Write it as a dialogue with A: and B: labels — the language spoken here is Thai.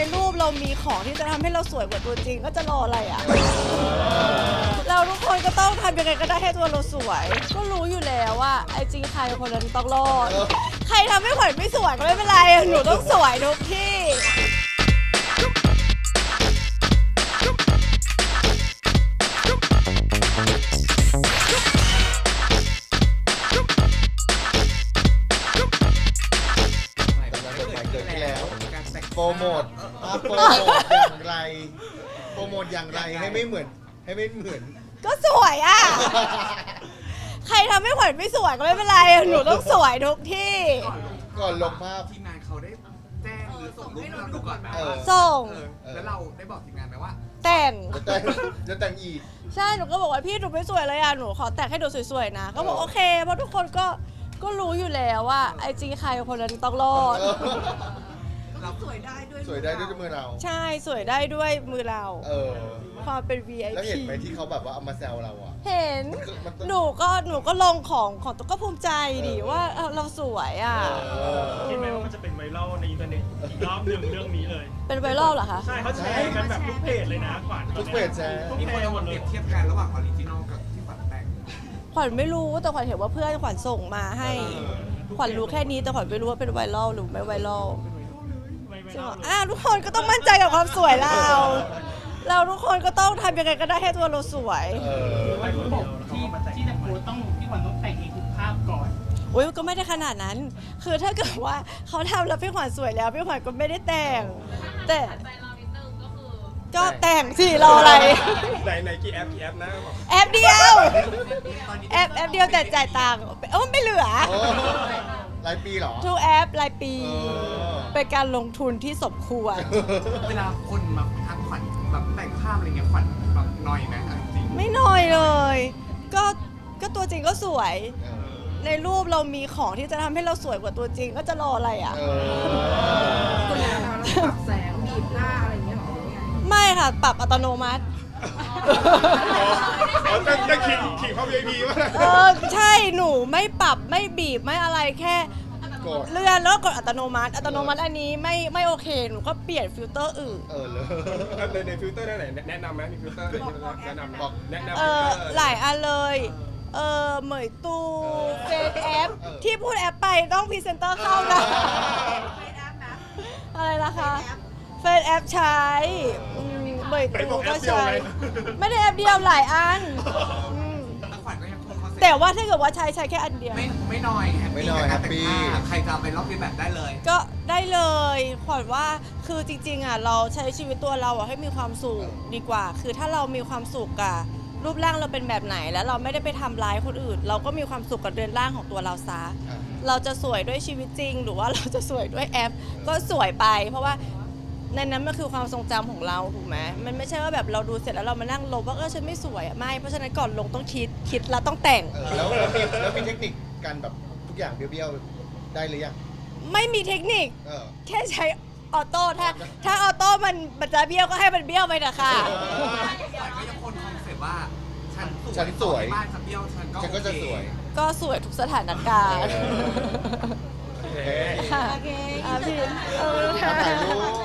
A: รูปเรามีของที่จะทำให้เราสวยกว่าตัวจริงก็จะรออะไรอ่ะ เราทุกคนก็ต้องทำยังไงก็ได้ให้ตัวเราสวย ก็รู้อยู่แล้วว่าไอจีใครคนนั้นต้องรอด ใครทำให้ขวัญไม่สวยก็ไม่เป็นไร หนูต้องสวยทุกที่
B: เกิดขึ้นแล้วโปรโมทโปรโมทอย่างไรโปรโมทอย่างไรให้ไม่เหมือน
A: ก็สวยอ่ะ ใครทำให้ขวัญไม่สวยก็ไม่เป็นไร หนูต้องสวยทุกที่
B: ก่อนลงภาพ
C: ทีมงานเขาได้แจ้งหรือส่งรูปให้เราดูก่อนไหม
A: ส่ง
C: แล้วเราได้บอกทีมงานไหมว่า
A: แต่ง
B: จะแต่งอีก
A: ใช่ หนูก็บอกว่าพี่หนูไม่สวยเลยอ่ะ หนูขอแต่งให้ดูสวยๆนะ ก็บอกโอเค เพราะทุกคนก็รู้อยู่แล้วว่าไอจีใครคนนั้นต้องรอด
D: เราสวยได้ด้วย
B: สวยได้ด้วยมือเรา
A: ใช่ สวยได้ด้วยมือเรา ความเป็น
B: แล้วเห็น
A: VIP
B: ไหมที่เขาแบบว่าเอามาแซวเราอ่ะ
A: เห็น หนูก็ลงของตัวก็ภูมิใจดิว่าเราสวยอ่ะ
E: คิดไหมว่ามันจะเป็นไวรัลในอินเทอร์เน็ตอีกรอบหนึ่งเรื่องนี้เลย
A: เป็นไวรัลเหรอคะ
E: ใช่เขาแชร์กันแบบทุกเพจเลยนะขวัญ
B: ทุกเพจแชร์
C: มีคนเอามาเปรียบเทียบกันระหว่างออริจินอลกับที่ฝันแต่ง
A: ขวัญไม่รู้แต่ขวัญเห็นว่าเพื่อนขวัญส่งมาให้ ขวัญรู้แค่นี้แต่ขวัญไม่รู้ว่าเป็นไวรัลหรือไม่ไวรัล
E: ไม่ไว
A: ใช่
E: รั
A: ไหม
E: ลเลย
A: ทุกคนก็ต้องมั่นใจกับความสวยเรา เราทุกคนก็ต้องทำยังไงก็ได้ให้ตัวเราสวย
E: ไม่คนเดียวที่จะโพสต้องพี่ขวัญต้องแต่งเองทุกภาพก่อน
A: อุ้ยก็ไม่ได้ขนาดนั้น คือถ้าเกิดว่าเขาทำแล้วพี่ขวัญสวยแล้วพี่ขวัญก็ไม่ได้แต่ง แต่ก็แต่งสิรออะไร
E: ในกี่แอปนะ
A: แอปเดียวแอปเดียวแต่จ่ายตังค์ไม่เหลือ
B: รายปีเหรอ
A: ทุกแอปรายปี เป็นการลงทุนที่สมควร
C: เวลาคนมาทักขวัญแบบแต่งภาพอะไรเงี้ยขวัญแบบนอยไหมเอาจริง
A: ไม่น้อยเลย ก็ตัวจริงก็สวย ในรูปเรามีของที่จะทำให้เราสวยกว่าตัวจริงก็จะรออะไรอ่ะ
D: คนเราปรับแสงบีบหน้าอะไรอย่างเงี้ยหรอ
A: ไม่ค่ะ ปรับอัตโนมัติ
E: จะขิงเขา VIP ว่า
A: ใช่ หนูไม่ปรับไม่บีบไม่อะไรแค่
B: กด
A: เลื่อนแล้วก็กดอัตโนมัติ อัตโนมัติอันนี้ไม่โอเค หนูก็เปลี่ยนฟิลเตอร์อื่น
B: เลย
E: ในฟิลเตอร์ได้ไหนแนะนำไหมมีฟิลเตอร์แนะนำ
B: บอก
E: แนะนำ
A: หลายอันเลยเหมยตูเฟซแอป ที่พูดแอปไปต้องพรีเซนเตอร์เข้านะ อะไรนะคะเฟซแอปใช้เหมยตูก็ใช้ ไม่ได้แอปเดียวหลายอัน
C: แต่ขวัญก็ยังคงคอนเซ็ปต์
A: แต่ว่าถ้าเกิดว่าใช้แค่อันเดียว
C: ไม่นอยแฮปปี้กับการแต่งภาพใครจะเอาไปลอกเลียนแบบได้เลย
A: ก็ได้เลยขวัญว่าคือจริงๆอ่ะเราใช้ชีวิตตัวเราอ่ะให้มีความสุขดีกว่า คือถ้าเรามีความสุขกับรูปร่างเราเป็นแบบไหนแล้วเราไม่ได้ไปทำร้ายคนอื่น เราก็มีความสุขกับเรือนร่างของตัวเราซะเราจะสวยด้วยชีวิตจริง หรือว่าเราจะสวยด้วยแอป ก็สวยไป เพราะว่าในนั้นมันคือความทรงจำของเราถูกไหมมันไม่ใช่ว่าแบบเราดูเสร็จแล้วเรามานั่งลบว่าฉันไม่สวยอ่ะไม่เพราะฉะนั้นก่อนลงต้องคิดแล้วต้องแต่ง
B: แล้วมีเทคนิคการแบบทุกอย่างเบี้ยวๆได้หรือยัง
A: ไม่มีเทคนิค
B: เออ
A: แค่ใช้ออโต้ถ้าออโต้มันจะเบี้ยวก็ให้มันเบี้ยวไปเถอะค่ะ
C: ขวัญก็ยังคงคอนเซ็ปต์ว่าฉัน
B: สวย
C: บ้านฉันเบี้ยวฉัน
B: ฉันก็จะสวย
A: ก็สวยทุกสถานการณ์
B: โอเค
A: ค่ะพี่
B: ถ่ายรูป